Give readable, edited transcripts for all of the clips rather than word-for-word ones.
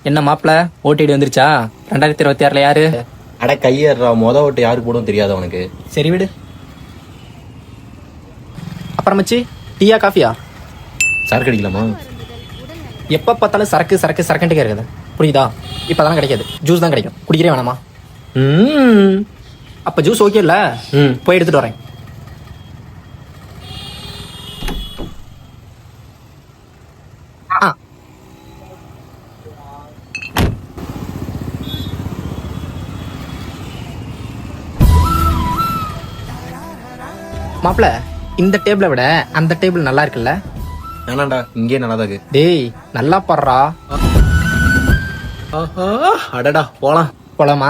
என்ன மாப்பிள ஓட்டிட்டு வந்துருச்சா? 2026 யாரு? அட கையேறா, ஓட்டு யாருக்கு போடும் தெரியாது அவனுக்கு. சரி விடு. அப்புறம் மச்சி, டீயா காஃபியா? சரக்கு அடிக்கலாமா? எப்ப பார்த்தாலும் சரக்கு சரக்கு சரக்குன்ட்டு இருக்குது, புரியுதா? இப்பதான் கிடைக்காது, ஜூஸ் தான் கிடைக்கும். குடிக்கிறே வேணாமா? அப்ப ஜூஸ் ஓகே இல்ல? போய் எடுத்துட்டு வரேன். மாப்பிள, இந்த டேபிளை விட அந்த டேபிள் நல்லா இருக்குல்ல? வேணாண்டா, இங்கே நல்லா தான் இருக்கு. டேய் நல்லா பாடுறா. அடடா போலாம். போலாமா?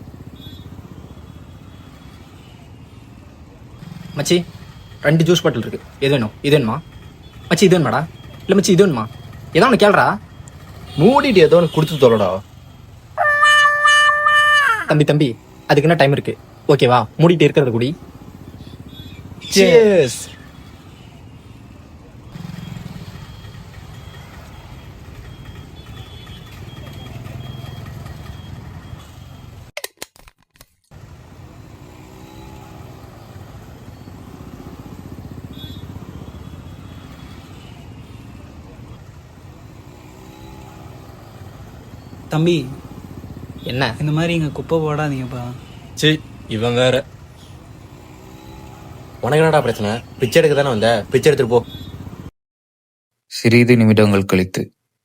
மச்சி 2 ஜூஸ் பாட்டில் இருக்கு, எது வேணும்? இது வேணுமா மச்சி? இது வேணுமாடா? இல்ல மச்சி இது வேணுமா? ஏதோ ஒன்று கேள்றா. மூடிட்டு ஏதோ ஒன்று குடுத்து தொலைடா. தம்பி தம்பி, அதுக்கு என்ன டைம் இருக்கு? ஓகேவா, மூடிட்டு இருக்கிறத குடி. Cheers. தம்பி, என்ன? இந்த மாதிரி இங்கே குப்பை போடாதீங்கப்பா. சரி, இவன் வேற. உனக்கு என்னடா பிரச்சனை? பிச்சை எடுக்க தானே வந்த, பிச்சை எடுத்துட்டு போ. சிறிது நிமிடங்கள் கழித்து.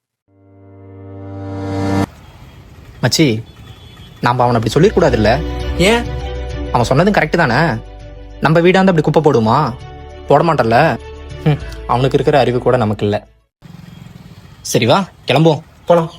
மச்சி, நாம அவனை அப்படி சொல்லிடக்கூடாது இல்ல? ஏன்? அவன் சொன்னதும் கரெக்ட் தானே. நம்ம வீடாந்து அப்படி குப்பை போடுமா? போட மாட்டல்ல. அவனுக்கு இருக்கிற அறிவு கூட நமக்கு இல்ல. சரி வா கிளம்புவோம். போலாம்.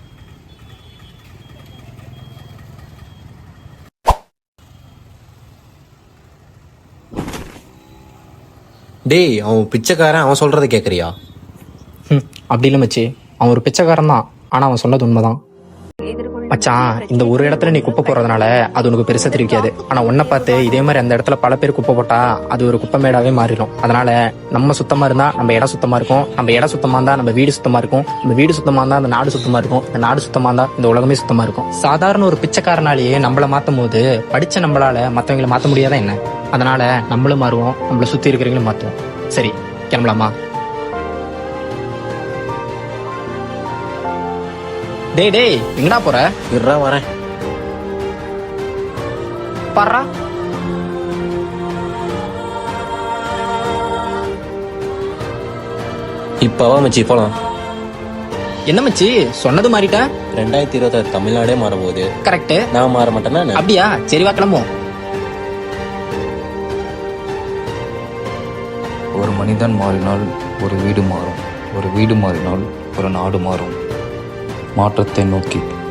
டேய், அவன் பிச்சைக்காரன், அவன் சொல்றதை கேட்கறியா? அப்படி இல்லை மச்சி, அவன் ஒரு பிச்சைக்காரன் தான், ஆனா அவன் சொன்னது உண்மைதான். மச்சான், இந்த ஒரு இடத்துல நீ குப்பை போடுறதுனால அது உனக்கு பெருசா தெரிவிக்காது. ஆனா உன்னை பார்த்து இதே மாதிரி அந்த இடத்துல பல பேர் குப்பை போட்டா அது ஒரு குப்பை மேடாவே மாறிடும். அதனால நம்ம சுத்தமா இருந்தா நம்ம இடம் சுத்தமா இருக்கும், நம்ம இடம் சுத்தமா இருந்தா நம்ம வீடு சுத்தமா இருக்கும், நம்ம வீடு சுத்தமா இருந்தா அந்த நாடு சுத்தமா இருக்கும், இந்த நாடு சுத்தமா இருந்தா இந்த உலகமே சுத்தமா இருக்கும். சாதாரண ஒரு பிச்சைக்காரனாலேயே நம்மள மாத்தும் போது படிச்ச நம்மளால மத்தவங்களை மாத்த முடியாதா என்ன? அதனால நம்மளும் மாறுவோம், நம்மள சுத்தி இருக்கிறவங்களும் மாத்துவோம். சரி கிளம்பலாமா? டேய் டேய், எங்கடா போற? இருடா வரேன். பாரா, இப்பவா மச்சி போலாம். என்ன மச்சி சொன்னது மாறிட்ட? 2026 தமிழ்நாடே மாறப்போகுது. கரெக்ட். நான் மாற மாட்டேன்னா என்ன? அப்படியா? சரி வா கிளம்புவோம். ஒரு மனிதன் மாறினால் ஒரு வீடு மாறும், ஒரு வீடு மாறினால் ஒரு நாடு மாறும். மாற்றத்தை நோக்கி